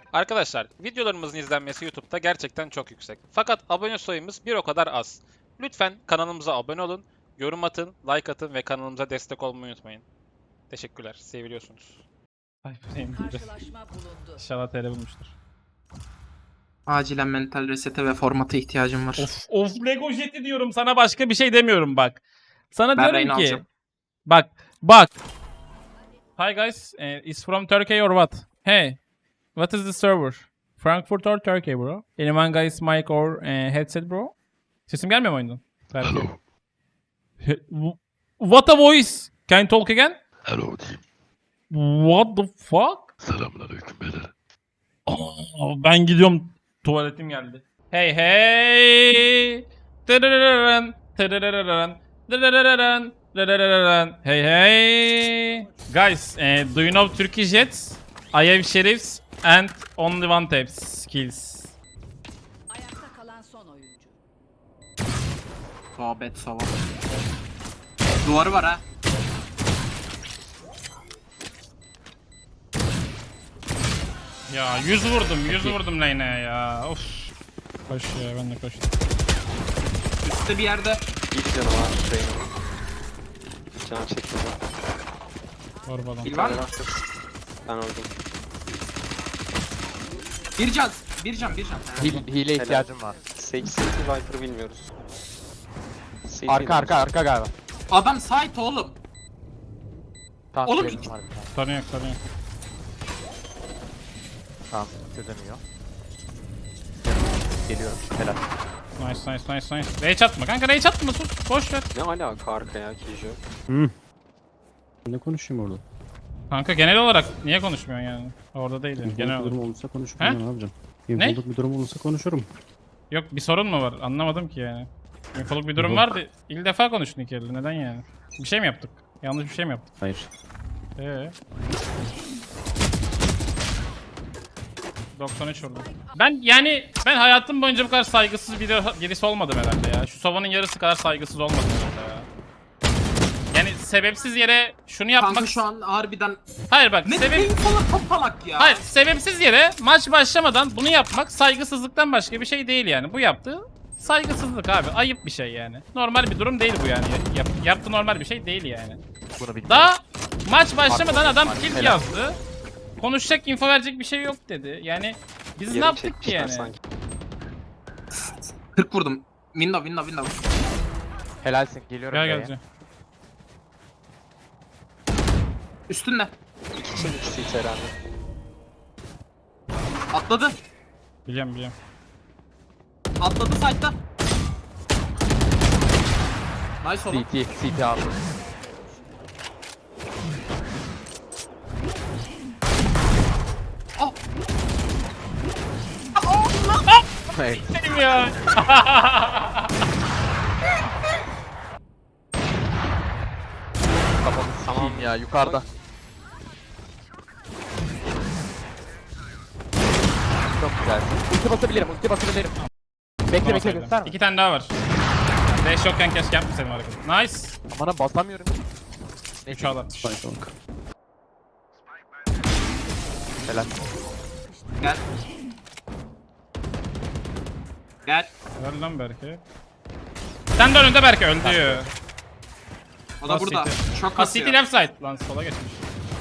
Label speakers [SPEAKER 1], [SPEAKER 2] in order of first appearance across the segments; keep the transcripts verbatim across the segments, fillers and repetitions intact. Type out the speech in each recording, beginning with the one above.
[SPEAKER 1] Arkadaşlar videolarımızın izlenmesi YouTube'da gerçekten çok yüksek. Fakat abone sayımız bir o kadar az. Lütfen kanalımıza abone olun, yorum atın, like atın ve kanalımıza destek olmayı unutmayın. Teşekkürler, seviliyorsunuz. Ay benim gibi.
[SPEAKER 2] Karşılaşma bulundu.
[SPEAKER 1] İnşallah T R bulmuştur.
[SPEAKER 3] Acilen mental resete ve formata ihtiyacım var.
[SPEAKER 1] Of of Lego Jet'i diyorum sana, başka bir şey demiyorum bak. Sana
[SPEAKER 3] Ben
[SPEAKER 1] diyorum
[SPEAKER 3] Reyna
[SPEAKER 1] ki
[SPEAKER 3] alacağım.
[SPEAKER 1] bak bak. Hi guys, uh, is from Turkey or what? Hey, what is the server? Frankfurt or Turkey bro? Anyone guys mic or uh, headset bro? Sesim gelmiyor mu oyundan? Belki. He- w- What a voice? Can you talk again?
[SPEAKER 4] Hello team.
[SPEAKER 1] What the fuck?
[SPEAKER 4] Selamünaleyküm beyler.
[SPEAKER 1] Aa, ben gidiyorum. Tuvaletim geldi. Hey hey. Tırırırırın, tırırırırın, tırırırırın, tırırırırın. Hey hey. Guys, eh, do you know Turkish jets? I have sheriffs and only one taps skills.
[SPEAKER 2] Ayakta kalan son oyuncu.
[SPEAKER 3] Sohbet sava. Duvarı var ha.
[SPEAKER 1] Ya yüz vurdum, yüz vurdum lane'e ya. Of. Koş ya, ben de koştum.
[SPEAKER 3] Üstte bir yerde.
[SPEAKER 5] İlk canı var Reyna'nın. Can çekti.
[SPEAKER 1] Var balon.
[SPEAKER 3] Bil var mı?
[SPEAKER 5] Ben öldüm.
[SPEAKER 3] Bir can. Bir can. Bir can.
[SPEAKER 6] Hile, hile ihtiyacım var.
[SPEAKER 5] Sage City Viper'ı bilmiyoruz. City
[SPEAKER 6] Arka arka arka galiba.
[SPEAKER 3] Adam site oğlum.
[SPEAKER 6] Tamam,
[SPEAKER 3] Oğlum,
[SPEAKER 6] benim
[SPEAKER 3] iki-
[SPEAKER 6] var bir tane.
[SPEAKER 1] Sorun yok, sorun yok.
[SPEAKER 6] Tamam, çözemiyor. Geliyorum, helal.
[SPEAKER 1] Nice, nice, nice, nice. Rage atma kanka, rage atma, sus. Boş ver.
[SPEAKER 5] Ne alaka arka ya Kijo?
[SPEAKER 7] Ne konuşayım orada?
[SPEAKER 1] Kanka genel olarak niye konuşmuyorsun yani? Orada değil yani, genel
[SPEAKER 7] İnfolik bir
[SPEAKER 1] olarak.
[SPEAKER 7] durum olursa konuşurum
[SPEAKER 1] He?
[SPEAKER 7] ya, ne yapacağım? İnfolik bir durum olursa konuşurum.
[SPEAKER 1] Yok, bir sorun mu var? Anlamadım ki yani. Infoluk bir durum
[SPEAKER 7] Yok.
[SPEAKER 1] vardı. İlk defa konuştun iki elde. Neden yani? Bir şey mi yaptık? Yanlış bir şey mi yaptık?
[SPEAKER 7] Hayır.
[SPEAKER 1] Eee? doksan üç vurdum. Ben yani ben hayatım boyunca bu kadar saygısız biri, birisi olmadım herhalde ya. Şu Sova'nın yarısı kadar saygısız olmadım herhalde ya. Yani sebepsiz yere şunu yapmak...
[SPEAKER 3] Kanka şu an harbiden.
[SPEAKER 1] Hayır bak,
[SPEAKER 3] Ne
[SPEAKER 1] sebep...
[SPEAKER 3] sebep... falan topalak ya.
[SPEAKER 1] Hayır, sebepsiz yere maç başlamadan bunu yapmak saygısızlıktan başka bir şey değil yani. Bu yaptığı saygısızlık abi. Ayıp bir şey yani. Normal bir durum değil bu yani. Yap, yaptığı normal bir şey değil yani.
[SPEAKER 6] Bunu bilmiyorum.
[SPEAKER 1] Daha maç başlamadan adam
[SPEAKER 6] Helal.
[SPEAKER 1] kill yazdı. Konuşacak, info verecek bir şey yok dedi. Yani biz ne
[SPEAKER 5] Yarım
[SPEAKER 1] yaptık ki
[SPEAKER 5] çekmişler
[SPEAKER 1] yani?
[SPEAKER 5] sanki.
[SPEAKER 3] kırk vurdum. Window window window.
[SPEAKER 6] Helalsin, geliyorum.
[SPEAKER 1] Gel
[SPEAKER 6] B'ye.
[SPEAKER 1] gel.
[SPEAKER 3] Üstünde.
[SPEAKER 5] İki için iki City herhalde.
[SPEAKER 3] Atladı.
[SPEAKER 1] Biliyorum biliyorum.
[SPEAKER 3] Atladı site'da. Nice oğlum.
[SPEAKER 6] C T, C T abi.
[SPEAKER 3] Oh.
[SPEAKER 6] Evet.
[SPEAKER 1] Benim ya.
[SPEAKER 6] Kafamı sikeyim ya, yukarıda. Çok güzel. Ulti basabilirim, ulti basabilirim. Bekle bekle, gösterme.
[SPEAKER 1] İki tane daha var. Dash yokken keşke yapmasaydım hareketi. Nice.
[SPEAKER 6] Bana basamıyorum.
[SPEAKER 1] üç alan.
[SPEAKER 7] Spike long.
[SPEAKER 6] Helal.
[SPEAKER 3] Gel. Gel.
[SPEAKER 1] Ver lan Berke. Sen de önünde Berke, öldü.
[SPEAKER 3] O da
[SPEAKER 1] Last
[SPEAKER 3] burada.
[SPEAKER 1] City.
[SPEAKER 3] Çok
[SPEAKER 1] Ha,
[SPEAKER 3] kasıyor.
[SPEAKER 1] City left side. Lan sola geçmiş.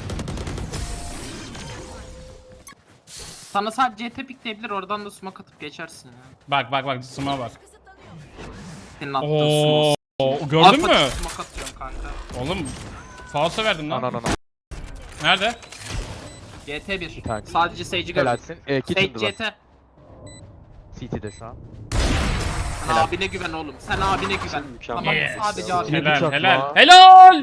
[SPEAKER 3] Sana sadece C T pikleyebilir, oradan da smoke atıp geçersin ya.
[SPEAKER 1] Bak bak bak, smoke'a bak.
[SPEAKER 3] Senin attığın
[SPEAKER 1] Oo,
[SPEAKER 3] smoke.
[SPEAKER 1] gördün
[SPEAKER 3] Alfa
[SPEAKER 1] mü?
[SPEAKER 3] smoke atıyorum kanka.
[SPEAKER 1] Oğlum, falso verdim lan.
[SPEAKER 6] Ana ana.
[SPEAKER 1] Nerede?
[SPEAKER 3] C T bir.
[SPEAKER 6] tane.
[SPEAKER 3] Sadece Sage'i gördüm.
[SPEAKER 6] Helalsin. E,
[SPEAKER 3] Sage
[SPEAKER 6] kitchen
[SPEAKER 3] C
[SPEAKER 6] var.
[SPEAKER 3] T.
[SPEAKER 6] C T'de şu an.
[SPEAKER 3] Sen
[SPEAKER 6] Helal.
[SPEAKER 3] abine güven oğlum. Sen abine güven.
[SPEAKER 5] Mükemmel.
[SPEAKER 3] Tamam
[SPEAKER 1] Yes.
[SPEAKER 3] sadece abine
[SPEAKER 6] Helal.
[SPEAKER 3] güven.
[SPEAKER 1] Helal
[SPEAKER 6] çok
[SPEAKER 1] helal.
[SPEAKER 6] la.
[SPEAKER 1] Helal!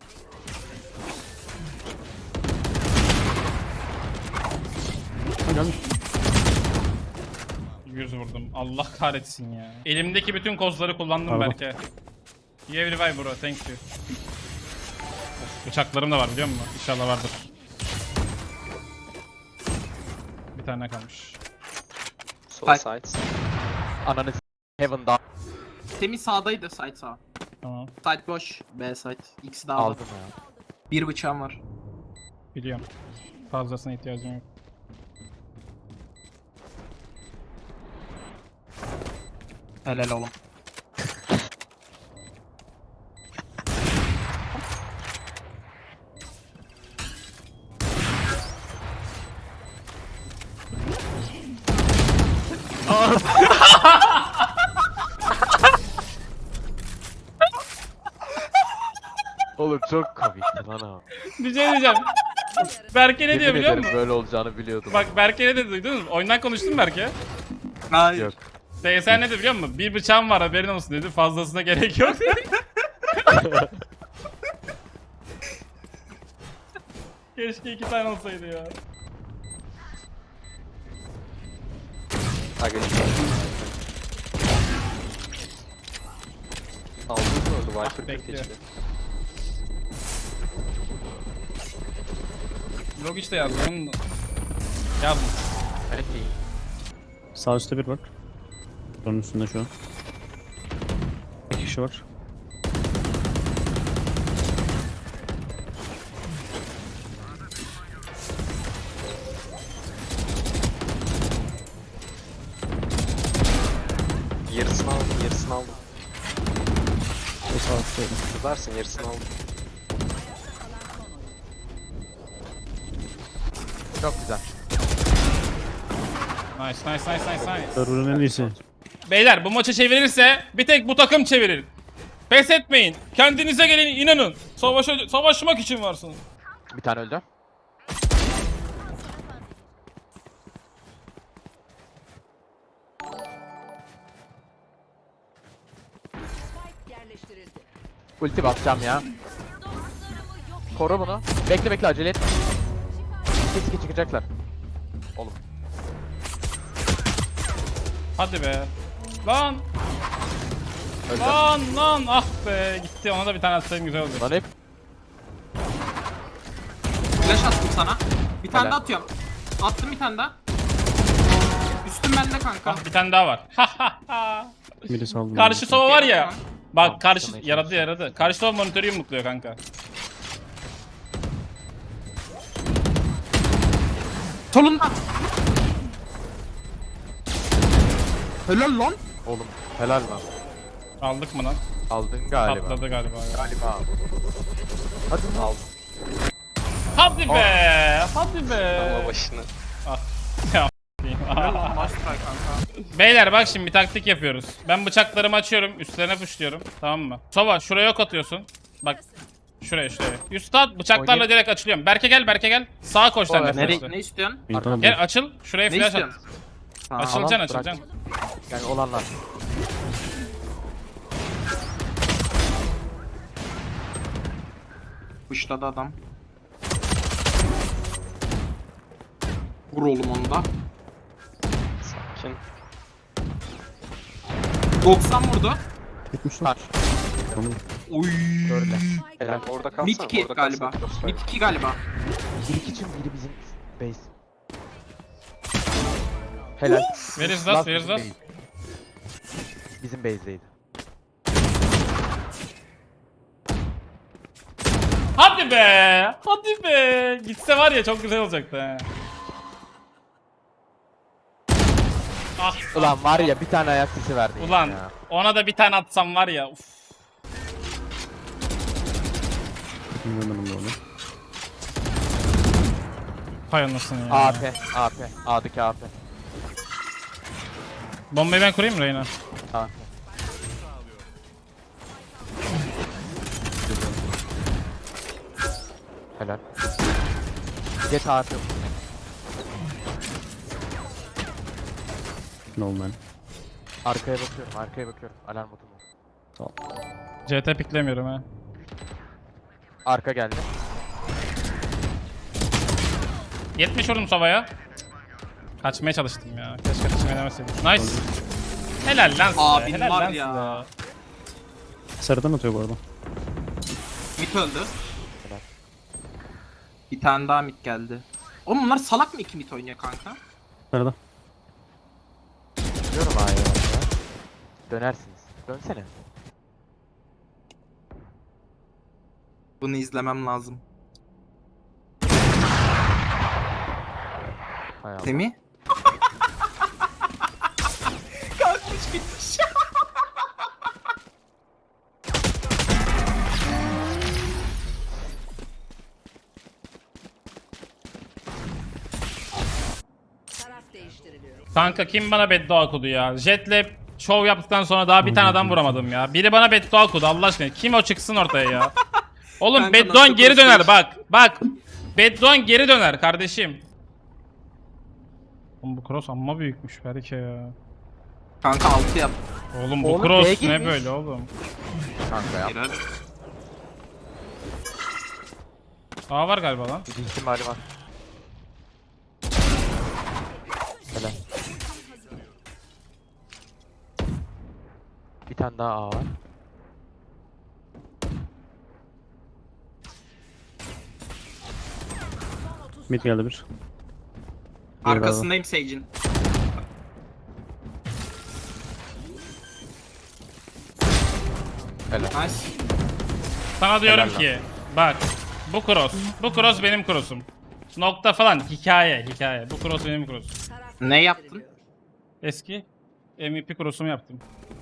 [SPEAKER 7] Ha gelmiş.
[SPEAKER 1] yüz vurdum. Allah kahretsin ya. Elimdeki bütün kozları kullandım
[SPEAKER 7] Pardon.
[SPEAKER 1] Berke. You have revive bro, thank you. Of, bıçaklarım da var biliyor musun? İnşallah vardır. Bir tane kalmış.
[SPEAKER 5] Sol
[SPEAKER 3] Bak.
[SPEAKER 5] side.
[SPEAKER 6] Ananı s- Heaven'da
[SPEAKER 3] Temiz sağdaydı side sağ.
[SPEAKER 1] Tamam,
[SPEAKER 3] Side boş. B side. İkisi de aldı.
[SPEAKER 6] aldım ya.
[SPEAKER 3] Bir bıçağım var.
[SPEAKER 1] biliyorum. Fazlasına ihtiyacım yok.
[SPEAKER 3] Helal oğlum.
[SPEAKER 5] Oğlum çok komikti lan abi.
[SPEAKER 1] Bir şey diyeceğim. Berke ne diyor
[SPEAKER 5] Yemin
[SPEAKER 1] biliyor
[SPEAKER 5] ederim
[SPEAKER 1] musun?
[SPEAKER 5] böyle olacağını biliyordum.
[SPEAKER 1] Bak Berke ne dedi duydunuz mu? Oyundan konuştun Berke.
[SPEAKER 3] Hayır.
[SPEAKER 5] Yok.
[SPEAKER 1] T S ne dedi biliyor musun? Bir bıçağım var haberin olsun dedi. Fazlasına gerek yok dedi. Keşke iki tane olsaydı ya.
[SPEAKER 5] Ha geçti. Aldın mı orada? Viper kırk
[SPEAKER 1] bekliyor.
[SPEAKER 5] geçti.
[SPEAKER 1] Log işte yazdım. Onu da- Yazdım.
[SPEAKER 5] Evet iyi.
[SPEAKER 7] Sağ üstte bir bak. Onun üstünde şu an. Bir kişi var.
[SPEAKER 5] Yarısını aldım, yarısını aldım.
[SPEAKER 7] O sağ üstteydi.
[SPEAKER 5] Kızarsın, yarısını aldım. Çok güzel.
[SPEAKER 1] Nice nice nice nice nice.
[SPEAKER 7] Server'ın en iyisi.
[SPEAKER 1] Beyler bu maçı çevirirse bir tek bu takım çevirir. Pes etmeyin. Kendinize gelin inanın. Savaşa, savaşmak için varsınız.
[SPEAKER 5] Bir tane öldü.
[SPEAKER 2] Spike yerleştirildi.
[SPEAKER 5] Ulti basacağım ya. Koru bunu. Bekle bekle acele et. Kesin çıkacaklar. Oğlum.
[SPEAKER 1] Hadi be. Lan
[SPEAKER 5] Öldü.
[SPEAKER 1] lan lan ah be gitti ona da bir tane atsaydım güzel oldu.
[SPEAKER 5] Lan hep
[SPEAKER 3] Flash attım sana. Bir tane
[SPEAKER 5] Helal.
[SPEAKER 3] daha atıyorum. Attım bir tane daha. Üstüm bende kanka.
[SPEAKER 1] Ah bir tane daha var. Ha ha ha.
[SPEAKER 7] Biri saldı.
[SPEAKER 1] Karşı sova var ya. Bak
[SPEAKER 5] Tamam,
[SPEAKER 1] karşı
[SPEAKER 5] sana
[SPEAKER 1] yaradı
[SPEAKER 5] ihtiyaç
[SPEAKER 1] yaradı. Karşı sova monitörü yumrukluyor kanka.
[SPEAKER 3] Solunda. Helal lan.
[SPEAKER 5] oğlum helal lan.
[SPEAKER 1] Aldık mı lan?
[SPEAKER 5] Aldın galiba.
[SPEAKER 1] Patladı galiba. ya.
[SPEAKER 5] Galiba. Hadi aldım.
[SPEAKER 1] Hadi be. Hadi be.
[SPEAKER 5] Ama başını.
[SPEAKER 3] Helal lan Master kanka.
[SPEAKER 1] Beyler bak şimdi bir taktik yapıyoruz. Ben bıçaklarımı açıyorum, üstlerine puşluyorum. Tamam mı? Sova şuraya ok atıyorsun. Bak şuraya şuraya. Üst at bıçaklarla
[SPEAKER 5] Oynayayım.
[SPEAKER 1] direkt açılıyorum. Berke gel Berke gel. Sağa koş sen de.
[SPEAKER 5] Nereye-
[SPEAKER 3] Nereye,
[SPEAKER 1] flash'la.
[SPEAKER 3] ne istiyorsun?
[SPEAKER 7] Bir tane
[SPEAKER 1] Gel açıl. Şuraya
[SPEAKER 3] Ne
[SPEAKER 1] flash at.
[SPEAKER 3] istiyorsun? Tamam.
[SPEAKER 1] Açılacaksın
[SPEAKER 5] bırak.
[SPEAKER 1] açılacaksın.
[SPEAKER 5] Yani olanlar.
[SPEAKER 3] Kuşladı adam. Vur oğlum onu da.
[SPEAKER 5] Sakin.
[SPEAKER 3] doksan vurdu.
[SPEAKER 7] gitmiş lan.
[SPEAKER 5] Kaç.
[SPEAKER 7] Tamam.
[SPEAKER 3] Oy.
[SPEAKER 5] Böyle. Helal orada kalsana.
[SPEAKER 3] Mid iki
[SPEAKER 5] orada
[SPEAKER 3] galiba.
[SPEAKER 5] kalsana, crossfire.
[SPEAKER 3] Mid iki galiba.
[SPEAKER 5] Bir iki için biri bizim base. Helal.
[SPEAKER 1] Where is that? Where is
[SPEAKER 5] bizim
[SPEAKER 1] that?
[SPEAKER 5] base. Bizim base'deydi.
[SPEAKER 1] Hadi be. Hadi be. Gitse var ya çok güzel olacaktı he. Ah
[SPEAKER 5] Ulan var ya bir tane ayak sesi verdi.
[SPEAKER 1] ulan
[SPEAKER 5] Ya.
[SPEAKER 1] ona da bir tane atsam var ya. Uf.
[SPEAKER 7] Bilmiyorum ben onu.
[SPEAKER 1] Hay anasını ya.
[SPEAKER 5] A P. A P. A'daki A P.
[SPEAKER 1] Bombayı ben kurayım mı Reyna?
[SPEAKER 5] A P. Helal. Get A P.
[SPEAKER 7] No man.
[SPEAKER 5] Arkaya bakıyorum, arkaya bakıyorum. Alarm botu bu.
[SPEAKER 7] Sağ ol.
[SPEAKER 1] C T piklemiyorum ha.
[SPEAKER 5] Arka geldi.
[SPEAKER 1] yetmiş vurdum Sova'ya. Kaçmaya çalıştım ya. Keşke kaçmaya demeseydim. Nice. Helal lan size.
[SPEAKER 3] Abin
[SPEAKER 1] helal
[SPEAKER 3] var
[SPEAKER 1] lan
[SPEAKER 3] ya.
[SPEAKER 1] size.
[SPEAKER 7] Sarıdan atıyor bu arada.
[SPEAKER 3] Mid öldü.
[SPEAKER 5] Helal.
[SPEAKER 3] Bir tane daha mid geldi. Oğlum bunlar salak mı iki mid oynuyor kanka?
[SPEAKER 7] Sarıda.
[SPEAKER 5] Diyorum A'ya ya. Dönersiniz. Dönsene.
[SPEAKER 3] Bunu izlemem lazım.
[SPEAKER 5] Hay Allah.
[SPEAKER 3] Semih? Kalkmış gitmiş.
[SPEAKER 2] değiştiriliyor.
[SPEAKER 1] Kanka kim bana beddua okudu ya? Jetle şov yaptıktan sonra daha bir tane adam vuramadım ya. Biri bana beddua okudu Allah aşkına. Kim o çıksın ortaya ya? Oğlum
[SPEAKER 3] Kanka
[SPEAKER 1] bedduan
[SPEAKER 3] nasıl
[SPEAKER 1] geri döner
[SPEAKER 3] konuşuyorsun?
[SPEAKER 1] bak. Bak. Bedduan geri döner kardeşim. Oğlum bu cross amma büyükmüş Berke ya.
[SPEAKER 3] Kanka altı yap.
[SPEAKER 1] Oğlum bu
[SPEAKER 5] Oğlum,
[SPEAKER 1] cross
[SPEAKER 5] B'ye
[SPEAKER 1] ne
[SPEAKER 5] girmiş.
[SPEAKER 1] böyle oğlum?
[SPEAKER 5] Kanka ya.
[SPEAKER 3] Helal.
[SPEAKER 1] Aa var galiba lan.
[SPEAKER 5] Bir ihtimali var. Helal. Bir tane daha A var.
[SPEAKER 7] Mid geldi bir.
[SPEAKER 3] Arkasındayım Sage'in.
[SPEAKER 5] Helal.
[SPEAKER 3] Nice.
[SPEAKER 1] Sana diyorum
[SPEAKER 5] Helal lan.
[SPEAKER 1] ki bak bu cross. Bu cross benim cross'um. Nokta falan hikaye hikaye. Bu cross benim cross'um.
[SPEAKER 2] Taraf
[SPEAKER 3] Ne yaptın?
[SPEAKER 2] değiştiriliyor.
[SPEAKER 1] Eski M V P cross'umu yaptım.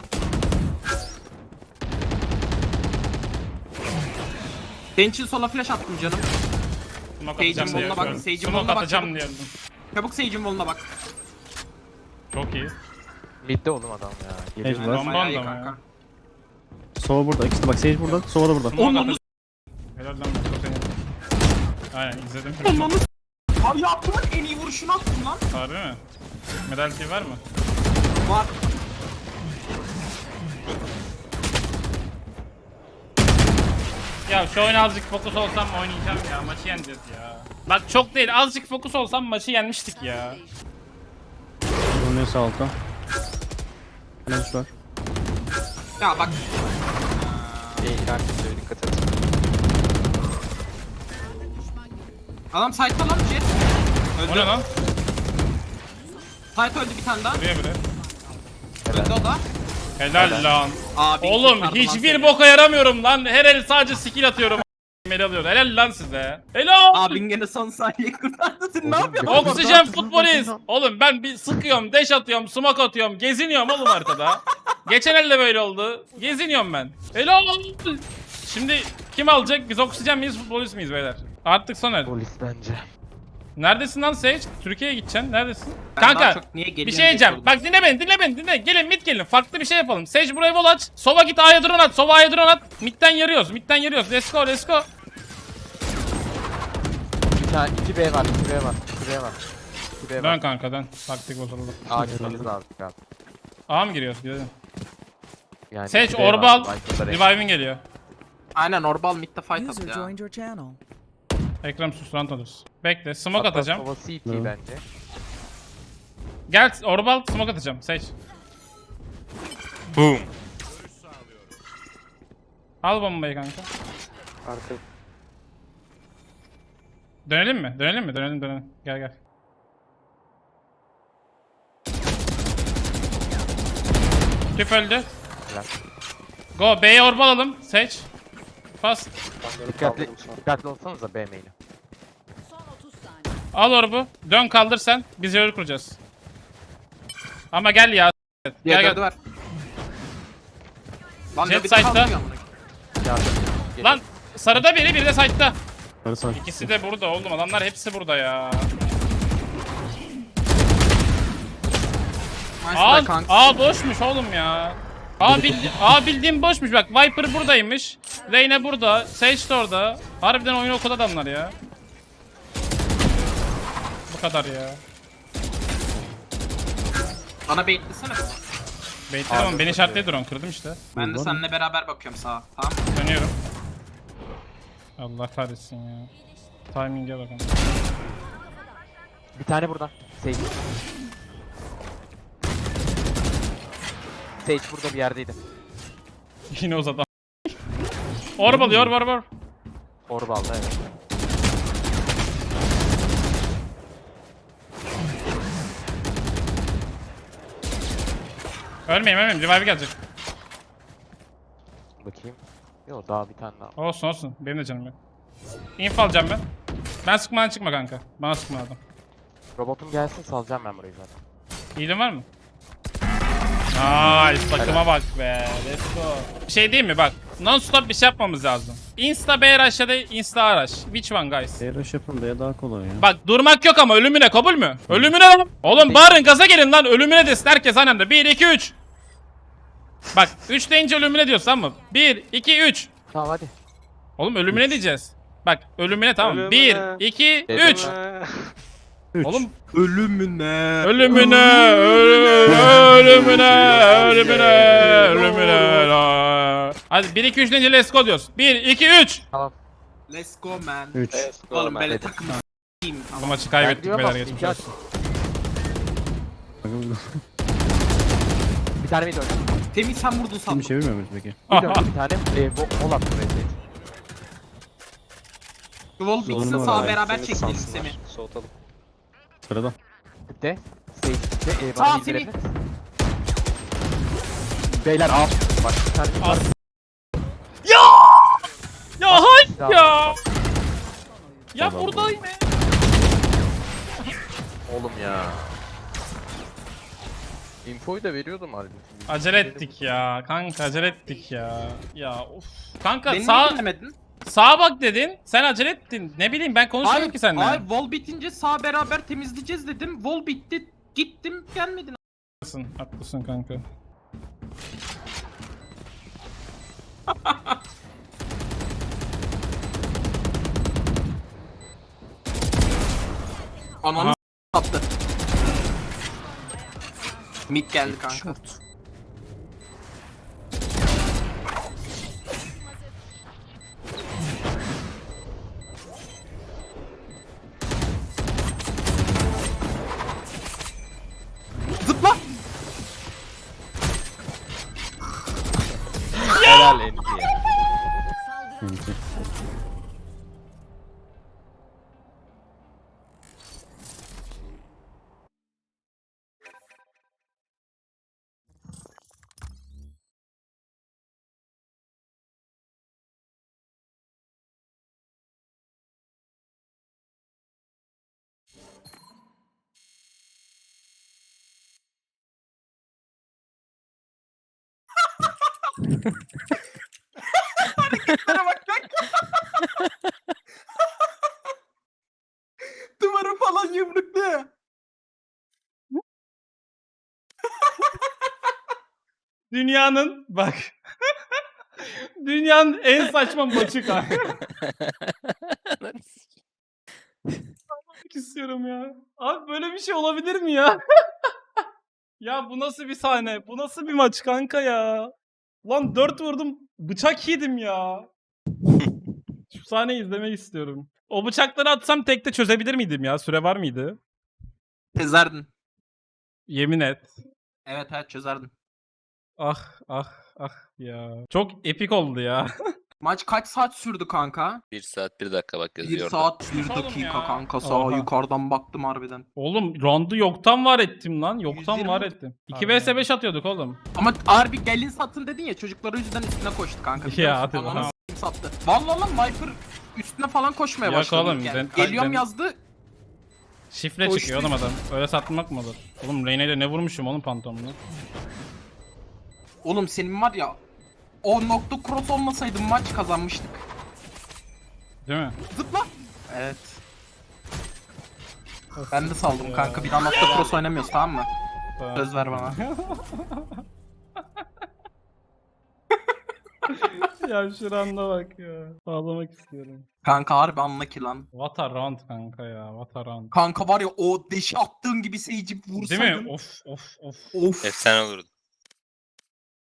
[SPEAKER 3] Senin için sola flash attım canım.
[SPEAKER 1] Smoke
[SPEAKER 3] Sage'in
[SPEAKER 1] atacağım diye
[SPEAKER 3] voluna bak,
[SPEAKER 1] yapıyorum.
[SPEAKER 3] Sage'in
[SPEAKER 1] Smoke
[SPEAKER 3] voluna bak,
[SPEAKER 1] atacağım
[SPEAKER 3] çabuk.
[SPEAKER 1] diye yaptım.
[SPEAKER 3] Çabuk Sage'in voluna bak.
[SPEAKER 1] Çok iyi.
[SPEAKER 5] Midde oğlum adam ya. Geliyor.
[SPEAKER 7] Sage var.
[SPEAKER 1] Bomba
[SPEAKER 3] Bayağı iyi
[SPEAKER 1] da mı ya?
[SPEAKER 3] kanka.
[SPEAKER 7] Sova burada. İkisi de bak Sage burada. Sova da burada.
[SPEAKER 1] Smoke
[SPEAKER 3] Onun
[SPEAKER 1] atacağım. Helal lan bu seni. Aynen izledim.
[SPEAKER 3] Onun Abi yaptığımın en iyi vuruşunu attım lan.
[SPEAKER 1] Harbi mi? Medalti var mı?
[SPEAKER 3] Var.
[SPEAKER 1] Ya şu oyuna azıcık fokus olsam oynayacağım ya. Maçı yeneceğiz ya. Bak çok değil azıcık fokus olsam maçı yenmiştik ya.
[SPEAKER 7] Bunun neyse altta. Ne var?
[SPEAKER 3] Ya bak.
[SPEAKER 5] İyi inan kimseye dikkat et.
[SPEAKER 3] Adam site'da lan Jet.
[SPEAKER 1] O
[SPEAKER 3] Öldü.
[SPEAKER 1] ne lan?
[SPEAKER 3] Site öldü bir tane daha.
[SPEAKER 1] Buraya biri.
[SPEAKER 3] Öldü o da.
[SPEAKER 1] Helal lan.
[SPEAKER 3] Abi
[SPEAKER 1] Oğlum
[SPEAKER 3] kurtardı lan
[SPEAKER 1] hiçbir
[SPEAKER 3] seni.
[SPEAKER 1] boka yaramıyorum lan. Her el sadece skill atıyorum. Meli alıyor. Helal lan size. Helal.
[SPEAKER 3] Abin gene son saniye kurtardı. Sen ne yapıyorsun?
[SPEAKER 5] Oğlum,
[SPEAKER 1] Oksijen futbolist. Oğlum ben bir sıkıyorum, dash atıyorum, smoke atıyorum, geziniyorum oğlum arkada. Geçen elde böyle oldu. Geziniyorum ben. Helal. Şimdi kim alacak? Biz oksijen miyiz, futbolist miyiz beyler? Artık son el.
[SPEAKER 5] Polis bence.
[SPEAKER 1] Neredesin lan Sage? Türkiye'ye gideceksin. Neredesin?
[SPEAKER 3] Ben daha
[SPEAKER 1] Kanka
[SPEAKER 3] çok niye
[SPEAKER 1] bir
[SPEAKER 3] geliyorsun
[SPEAKER 1] şey diyeceğim.
[SPEAKER 3] diye sordum.
[SPEAKER 1] Bak dinle beni, dinle beni, dinle. Gelin mid gelin. Farklı bir şey yapalım. Sage buraya vol aç. Sova git A'ya drone at. Sova A'ya drone at. Mid'den yarıyoruz. Mid'den yarıyoruz. Let's go, let's go.
[SPEAKER 5] Bir tane iki B var, iki B var, iki B var. iki B
[SPEAKER 1] Dön
[SPEAKER 5] var.
[SPEAKER 1] kanka dön. Taktik bozuldu.
[SPEAKER 5] A gitmemiz lazım abi.
[SPEAKER 1] A mı giriyoruz? Gidelim.
[SPEAKER 5] Yani
[SPEAKER 1] Sage
[SPEAKER 5] iki B
[SPEAKER 1] orba
[SPEAKER 5] var,
[SPEAKER 1] al.
[SPEAKER 5] Viper'da renk.
[SPEAKER 1] Revive'in geliyor.
[SPEAKER 3] Aynen Orbal mid'de fight
[SPEAKER 8] User
[SPEAKER 3] attı ya.
[SPEAKER 8] joined your channel.
[SPEAKER 1] Ekrem sus rant alırız. Bekle smoke
[SPEAKER 5] Hatta
[SPEAKER 1] atacağım.
[SPEAKER 5] Sova C T
[SPEAKER 7] Evet.
[SPEAKER 5] bence.
[SPEAKER 1] Gel orbal smoke atacağım. Sage.
[SPEAKER 4] Boom.
[SPEAKER 1] Al bombayı kanka.
[SPEAKER 5] Arka.
[SPEAKER 1] Dönelim mi? Dönelim mi? Dönelim dönelim. Gel gel. Tüp öldü.
[SPEAKER 5] Helal.
[SPEAKER 1] Go B'ye orbal alalım. Sage. Pas.
[SPEAKER 5] Dikkatli, dikkatli olsanıza B main'i.
[SPEAKER 2] Son otuz saniye.
[SPEAKER 1] Al orbu. Dön kaldır sen. Biz yolu kuracağız. Ama gel ya. Gel
[SPEAKER 3] Diğer
[SPEAKER 1] gel.
[SPEAKER 3] dördü var. Lan
[SPEAKER 1] Jet
[SPEAKER 3] ne bir
[SPEAKER 1] side'da.
[SPEAKER 3] kalmıyor amına.
[SPEAKER 5] Yardım.
[SPEAKER 1] Lan sarıda biri biri de side'da.
[SPEAKER 7] Sarı sağ.
[SPEAKER 1] İkisi de burada oğlum. Adamlar hepsi burada ya.
[SPEAKER 3] Nice
[SPEAKER 1] Aa,
[SPEAKER 3] be kanka.
[SPEAKER 1] aa boşmuş oğlum ya. Aa, bildi, aa bildiğim boşmuş bak. Viper buradaymış. Reyna burada. Sage de orada. Harbiden oyunu okudu adamlar ya. Bu kadar ya.
[SPEAKER 3] Bana baitlesene.
[SPEAKER 1] Beytlerim ama beni şartlayı drone kırdım işte.
[SPEAKER 3] Ben de seninle beraber bakıyorum sağa. Tamam.
[SPEAKER 1] Dönüyorum. Allah kahretsin ya. Timing'e bakın.
[SPEAKER 5] Bir tane burada. Sage. Sage burada bir yerdeydi.
[SPEAKER 1] Yine uzadı. Orb alıyor, orb orb.
[SPEAKER 5] Orba aldı evet.
[SPEAKER 1] Ölmeyeyim ölmeyeyim. Revive gelecek.
[SPEAKER 5] Bakayım. Yok daha bir tane daha.
[SPEAKER 1] Olsun olsun. Benim de canım yok. Info alacağım ben. Ben sıkmadan çıkma kanka. Bana sıkma adam.
[SPEAKER 5] Robotum gelsin salacağım ben burayı zaten.
[SPEAKER 1] İyiliğin var mı? Nice takıma bak be. Let's go. Bir şey değil mi bak. Non stop bir şey yapmamız lazım. Insta B rush ya da insta A rush. Which one guys?
[SPEAKER 7] Seyraş yapın da ya daha kolay ya.
[SPEAKER 1] Bak durmak yok ama ölümüne kabul mü? Ölümüne lan. Oğlum bağırın gaza gelin lan ölümüne desin herkes aynı anda. bir iki üç. Bak üç deyince ölümüne diyorsun tamam mı? bir iki üç.
[SPEAKER 5] Tamam hadi.
[SPEAKER 1] Oğlum ölümüne diyeceğiz. Bak ölümüne tamam.
[SPEAKER 6] Ölümüne.
[SPEAKER 1] bir iki üç.
[SPEAKER 7] Üç.
[SPEAKER 1] Oğlum
[SPEAKER 3] Ölümüne.
[SPEAKER 1] ölümüne ölü- ölümüne ölümüne ölümüne. la. Hadi bir iki üç deyince let's go diyoruz. bir iki üç.
[SPEAKER 5] Tamam.
[SPEAKER 3] Let's go man.
[SPEAKER 7] Üç.
[SPEAKER 3] Oğlum böyle
[SPEAKER 5] Hadi.
[SPEAKER 3] takımı s**eyim.
[SPEAKER 1] Bu maçı
[SPEAKER 5] Ben
[SPEAKER 1] kaybettik
[SPEAKER 5] gidiyorum
[SPEAKER 1] beyler
[SPEAKER 5] ama
[SPEAKER 1] geçmiş
[SPEAKER 5] iki
[SPEAKER 1] olsun.
[SPEAKER 5] at. Bir tane mid oynadım.
[SPEAKER 3] Temiz sen vurdun
[SPEAKER 7] Şimdi
[SPEAKER 3] sandım.
[SPEAKER 7] çevirmiyor muyuz peki?
[SPEAKER 5] Bir döndü bir tane. E, bo- Bol attım Red'i.
[SPEAKER 3] Wall Mix'le
[SPEAKER 7] Sorun var
[SPEAKER 3] sağ
[SPEAKER 7] abi.
[SPEAKER 3] beraber çektiğim Semih.
[SPEAKER 6] Soğutalım.
[SPEAKER 7] Sırada.
[SPEAKER 5] Bitti. Sage bitti. E,
[SPEAKER 3] Sağ,
[SPEAKER 5] bana mid
[SPEAKER 3] Semih.
[SPEAKER 5] verebilir. Beyler al. Bak bir tane mid var.
[SPEAKER 1] Ya hay
[SPEAKER 5] Tamam.
[SPEAKER 1] ya. Ya
[SPEAKER 7] Tamam.
[SPEAKER 1] buradayım ya.
[SPEAKER 6] Oğlum ya. Infoyu da veriyordum halbuki.
[SPEAKER 1] Acele ettik ya. Kanka acele ettik ya. Ya of. Kanka
[SPEAKER 3] Beni niye
[SPEAKER 1] sağ
[SPEAKER 3] dinlemedin?
[SPEAKER 1] sağa bak dedin. Sen acele ettin. Ne bileyim ben konuşmuyorum ki seninle.
[SPEAKER 3] Hayır wall bitince sağ beraber temizleyeceğiz dedim. Wall bitti. Gittim gelmedin.
[SPEAKER 1] Haklısın, haklısın kanka.
[SPEAKER 3] Ananı s- attı. Mid geldi kanka. Zıpla.
[SPEAKER 6] Helal Enki ya.
[SPEAKER 7] Enti.
[SPEAKER 3] Hareketlere bak kanka. Duvarı falan yumrukluyor.
[SPEAKER 1] Dünyanın bak. Dünyanın en saçma maçı kanka. Anlamak istiyorum ya. Abi böyle bir şey olabilir mi ya? Ya bu nasıl bir sahne? Bu nasıl bir maç kanka ya? Lan dört vurdum. Bıçak yedim ya. Şu sahneyi izlemek istiyorum. O bıçakları atsam tekte çözebilir miydim ya? Süre var mıydı?
[SPEAKER 3] Çözerdin.
[SPEAKER 1] Yemin et.
[SPEAKER 3] Evet evet çözerdin.
[SPEAKER 1] Ah ah ah ya. Çok epik oldu ya.
[SPEAKER 3] Maç kaç saat sürdü kanka?
[SPEAKER 4] Bir saat bir dakika bak
[SPEAKER 3] Bir
[SPEAKER 4] yazıyor orada.
[SPEAKER 3] saat bir
[SPEAKER 1] Oğlum
[SPEAKER 3] dakika
[SPEAKER 1] ya.
[SPEAKER 3] kanka sağa
[SPEAKER 1] Oha.
[SPEAKER 3] yukarıdan baktım harbiden.
[SPEAKER 1] Oğlum roundu yoktan var ettim lan. Yoktan
[SPEAKER 3] yüz yirmi
[SPEAKER 1] var ettim. iki
[SPEAKER 3] Harbi
[SPEAKER 1] vs
[SPEAKER 3] yani.
[SPEAKER 1] beş atıyorduk oğlum.
[SPEAKER 3] Ama harbi gelin satın dedin ya çocuklar o yüzden üstüne koştu kanka. biliyor
[SPEAKER 1] Ya,
[SPEAKER 3] musun?
[SPEAKER 1] hadi
[SPEAKER 3] Ananı
[SPEAKER 1] lan.
[SPEAKER 3] s**eyim sattı. Vallahi lan Viper üstüne falan koşmaya
[SPEAKER 1] Yok
[SPEAKER 3] başladı.
[SPEAKER 1] oğlum,
[SPEAKER 3] yani.
[SPEAKER 1] ben-
[SPEAKER 3] Geliyorum
[SPEAKER 1] ben-
[SPEAKER 3] yazdı.
[SPEAKER 1] Şifre
[SPEAKER 3] Koştu.
[SPEAKER 1] çıkıyor oğlum adam. Öyle satmak mı olur? Oğlum Reyna ile ne vurmuşum oğlum pantolonuna?
[SPEAKER 3] Oğlum senin var ya o nokta cross olmasaydı maç kazanmıştık.
[SPEAKER 1] Değil mi?
[SPEAKER 3] Zıpla. Evet. Ben de saldım
[SPEAKER 1] Ya.
[SPEAKER 3] kanka. Bir daha nokta cross oynamıyoruz tamam mı?
[SPEAKER 1] Tamam.
[SPEAKER 3] Söz ver bana.
[SPEAKER 1] Ya şuranda bak ya. Ağlamak istiyorum.
[SPEAKER 3] Kanka harbi anla ki lan.
[SPEAKER 1] What a round kanka ya. What a round.
[SPEAKER 3] Kanka var ya o deşi attığın gibi seyirci
[SPEAKER 1] Değil
[SPEAKER 3] vursaydın.
[SPEAKER 1] mi? Of of of.
[SPEAKER 3] Of.
[SPEAKER 4] Efsane olurdu.